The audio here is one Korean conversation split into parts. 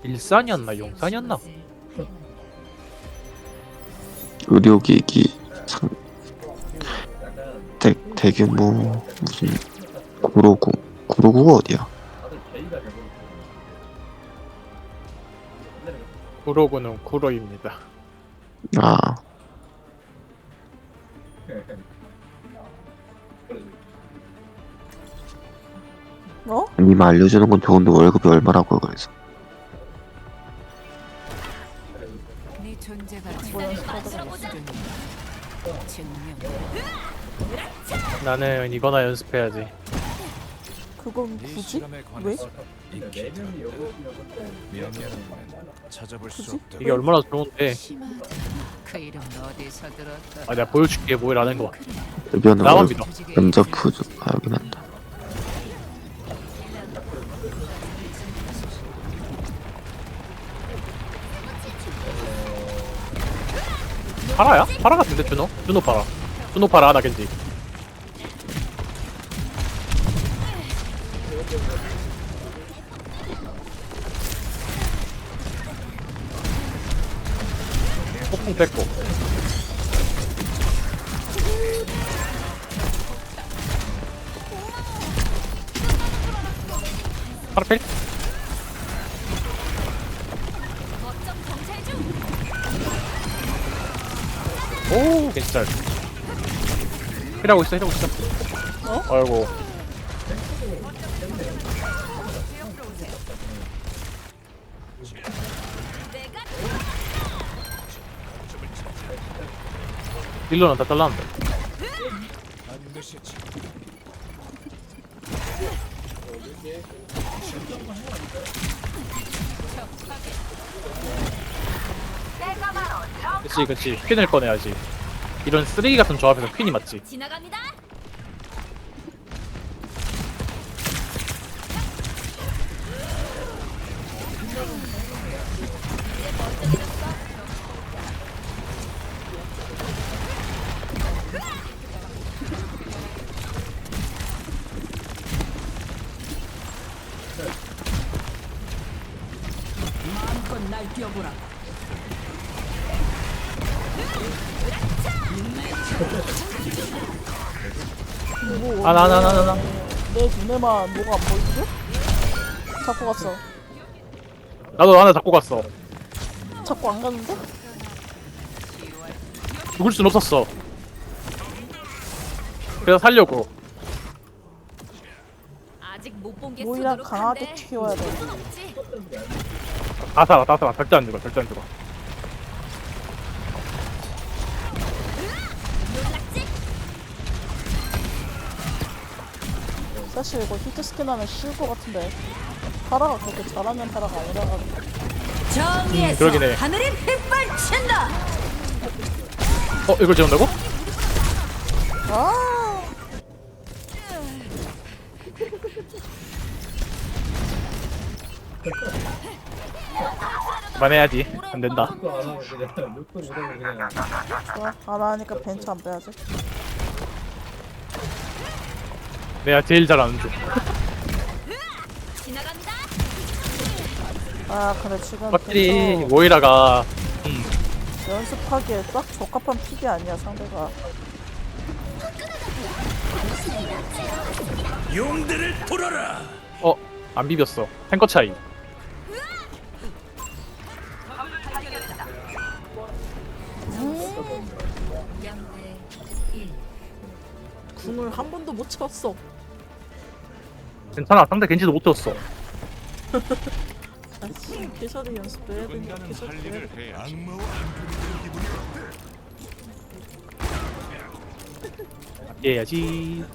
일산이었나 용산이었나? 의료기기 대규모 무슨 구로구가 어디야? 구로구는 구로입니다. 아, 어? 님 알려주는 건 좋은데 월급이 얼마라고요? 그래서 네 존재가 뭐야, 증명. 나는 이거나 연습해야지. 그건 굳이? 왜? 찾아볼 수 굳이? 없다. 이게 얼마나 좋은데. 심하다. 그 이름 어디서 들었다. 아 내가 보여줄게 뭐라는 거. 대변은 나만 월급 믿어. 면접 푸즈 여긴 한다. 파라야? 파라 같은데 준호? 준호 파라. 준호 파라 나 겐지. 폭풍 뺐고. 파라 필? 오, 괜찮. 힐하고 있어, 힐하고 있어. 어? 아이고. 딜러는 다 잘랐는데. 그치, 그치. 퀸을 꺼내야지. 이런 쓰레기 같은 조합에서 퀸이 맞지. 지나갑니다. 마음껏 날 뛰어보라. 뭐, 나. 내 눈에만 뭐가 안 보이지? 잡고 갔어. 나도 하나 잡고 갔어. 잡고 안 갔는데? 죽을 순 없었어. 그래서 살려고. 아직 못 본 게 모이랑 수두룩한데. 강하게 키워야 돼. 손 없지? 다 살아, 다 살아. 절대 안 죽어, 절대 안 죽어. 사실 이거 히트스킨 하면 쉬울 것 같은데 파라가 그렇게 잘하는 파라가 아니라가지고. 정의에서 그러긴 해. 하늘이 빗발친다. 이걸 재운다고? 아, 그만해야지. 안 된다. 좋아. 안 하니까 벤츠 안 빼야지. 내가 제일 잘하는 중. 지나간다. 아, 그래 지금 확실히 벤츠 모이라가 연습하기에 딱 적합한 픽이 아니야 상대가. 용들을 풀어라. 안 비볐어. 탱커 차이. 궁을 한 번도 못 쳤어. 괜찮아. 상대 겐지도 못 쳤어. 아씨, 캐서디 연습도 해야 되니까 인간은 캐서디 할 해야 일을 돼. 해야지. 악마와 함께 기분이 어때? 해야지.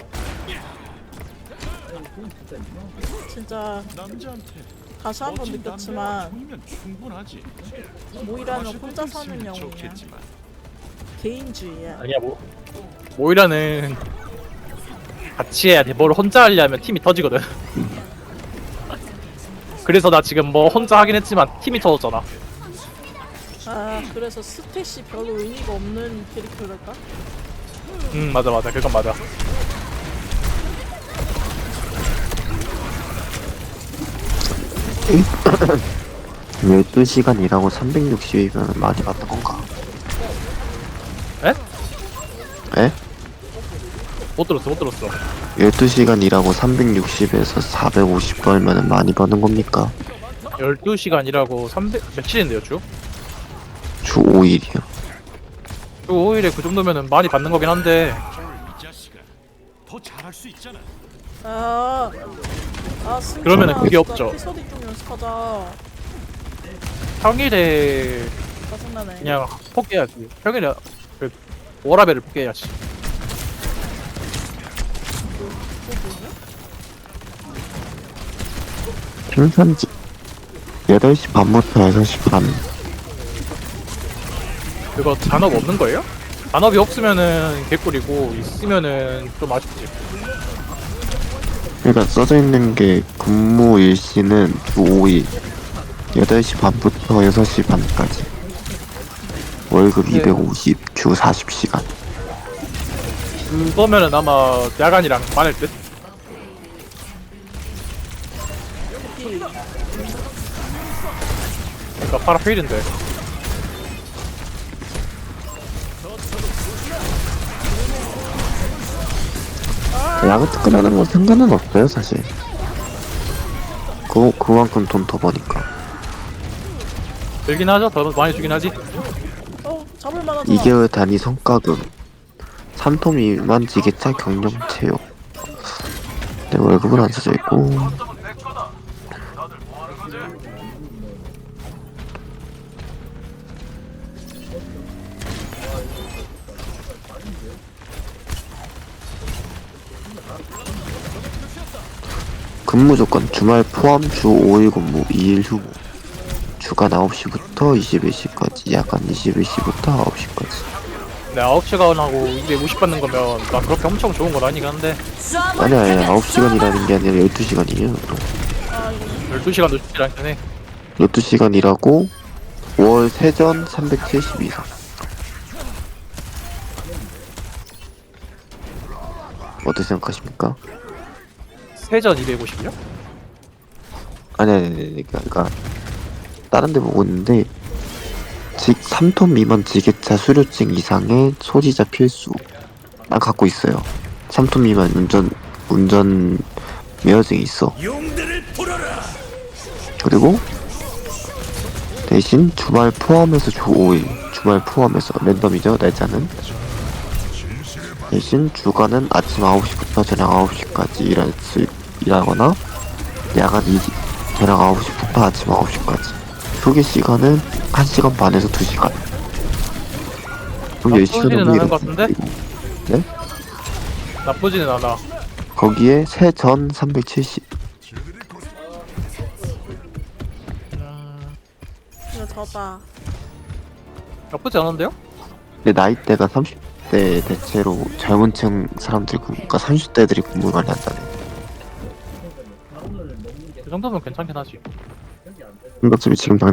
진짜 남자한테 다시 한 번 멋진 느꼈지만 남자가 보이면 충분하지. 모이라는 마실 혼자 것도 사는 있으면 영웅이야. 좋겠지만. 개인주의야. 아니야 모이라는 같이 해야 돼. 뭘 혼자 하려면 팀이 터지거든. 그래서 나 지금 뭐 혼자 하긴 했지만 팀이 터졌잖아. 아, 그래서 스탯이 별로 의미가 없는 캐릭터랄까? 맞아. 그건 맞아. 12시간 일하고 360이면 많이 받는 건가? 에? 에? 못 들었어, 못 들었어. 12시간 일하고 360에서 450 벌면은 많이 버는 겁니까? 12시간 일하고 300, 며칠인데요, 주? 주 5일이요. 주 5일에 그 정도면은 많이 받는 거긴 한데, 이 자식아, 더 잘할 수 있잖아. 승진아, 그러면은 그게 진짜 없죠. 에피소드 좀 연습하자. 평일에 짜증나네. 그냥 포기해야지. 평일에 그 워라벨을 포기해야지. 생산지 8시 반부터 6시 반. 그거 잔업 없는 거예요? 잔업이 없으면은 개꿀이고 있으면은 좀 아쉽지. 그러니까 써져 있는 게 근무 일시는 주 5일 8시 반부터 6시 반까지 월급 네. 250, 주 40시간. 그거면은 아마 야간이랑 많을 듯? 그러니까 파라필인데. 야구 특근하는 건 상관은 없어요 사실. 그만큼 돈 더 버니까. 들긴 하죠? 더 많이 주긴 하지. 잡을 만하잖아. 2개월 단위 성과금 3토 미만 지게차 경영 채용. 내 월급은 안 써져 있고. 근무 조건 주말 포함 주 5일 근무 2일 휴무. 주간 9시부터 21시까지, 야간 21시부터 9시까지. 네, 9시간 하고 250 받는 거면 나 그렇게 엄청 좋은 건 아니긴 한데 아니야 9시간 일하는 게 아니라 12시간이에요. 12시간도 쉽지 않긴 해. 12시간 일하고 5월 세전 370 이상. 어떻게 생각하십니까? 세전 250이요? 아니 그러니까 다른 데 보고 있는데 3톤 미만 지게차 수료증 이상의 소지자 필수. 난 갖고 있어요. 3톤 미만 운전 면허증이 있어. 용들을 풀어라. 그리고 대신 주말 포함해서 주 5일, 주말 포함해서 랜덤이죠 날짜는. 대신 주간은 아침 9시부터 저녁 9시까지 일하거나 야간 저녁 9시부터 아침 9시까지. 휴게 시간은 1시간 반에서 2시간. 그럼 10시간 나쁘지는 정도 않은 것 일했어요. 같은데? 네? 나쁘지는 않아. 거기에 세전 370. 이거 졌다. 나쁘지 않은데요? 근데 나이대가 30대 대체로 젊은 층 사람들이 그러니까 30대들이 근무를 많이 한다네. 그 정도면 괜찮긴 하지. 근데 어차피 지금 당장